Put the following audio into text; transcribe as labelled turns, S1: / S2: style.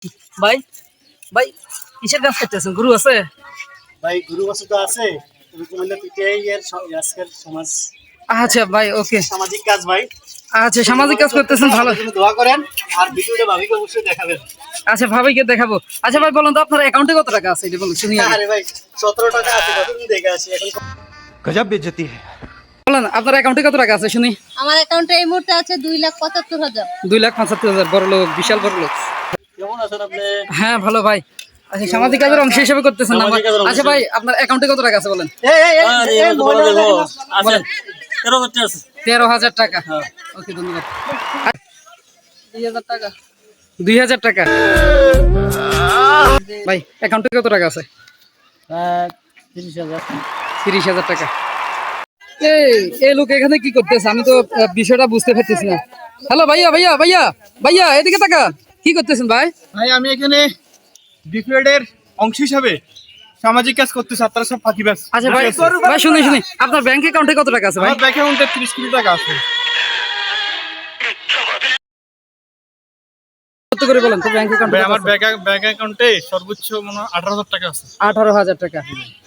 S1: ভাই ভাই কিসের কাজ করতেছেন? গুরু আছে
S2: ভাই? গুরু বছর তো আছে, রুকুমাল্লা পিটিআই এর আজকের সমাজ
S1: আচ্ছা ভাই, ওকে।
S2: সামাজিক কাজ ভাই।
S1: আচ্ছা, সামাজিক কাজ করতেছেন, ভালো।
S2: আমাদের জন্য দোয়া করেন আর ভিডিওটা ভাবিকে অবশ্যই দেখাবেন।
S1: আচ্ছা, ভাবিকে দেখাবো। আচ্ছা ভাই, বলুন তো আপনার অ্যাকাউন্টে কত টাকা আছে, এটা বলুন শুনি আগে।
S2: আরে ভাই 17 টাকা আছে, কতদিন দেখে আসি এখন।
S3: गजब बेइज्जती है।
S1: বলেন আপনার অ্যাকাউন্টে কত টাকা আছে শুনি।
S4: আমার অ্যাকাউন্টে এই মুহূর্তে আছে 2,75,000।
S1: 2,75,000। বড় লোক, বিশাল বড় লোক।
S2: কেমন আছেন আপনি?
S1: হ্যাঁ ভালো ভাই। আচ্ছা, সামাজিক কাজের অংশ হিসেবে করতেছেন না?
S2: সামাজিক কাজের অংশ
S1: আচ্ছা ভাই, আপনার অ্যাকাউন্টে কত টাকা আছে বলেন।
S2: বলেন
S1: 13,000 টাকা। ওকে, ধন্যবাদ। 2,000 টাকা। 2,000 টাকা ভাই, অ্যাকাউন্টে কত টাকা আছে?
S2: 30,000।
S1: 30,000 টাকা। এই লোক এখানে কি করতেছে? আমি তো বিষয়টা বুঝতে পারতেছি না। হ্যালো ভাইয়া, ভাইয়া ভাইয়া ভাইয়া, এদিকে তাকা। কি করতেছেন ভাই?
S5: ভাই আমি এখানে ডিফ্লেটের অংশ হিসাবে সামাজিক কাজ করতেছি, আপনারা সব ফাঁকিবাজ।
S1: আচ্ছা ভাই, ভাই শুনি শুনি, আপনার ব্যাংক অ্যাকাউন্টে কত টাকা আছে ভাই?
S5: আমার ব্যাংক অ্যাকাউন্টে 30 কোটি টাকা আছে।
S1: কত করে বলেন তো ব্যাংক অ্যাকাউন্টে?
S5: ভাই আমার ব্যাংক অ্যাকাউন্টে সর্বোচ্চ মনে হয় 18,000 টাকা আছে।
S1: 18,000 টাকা।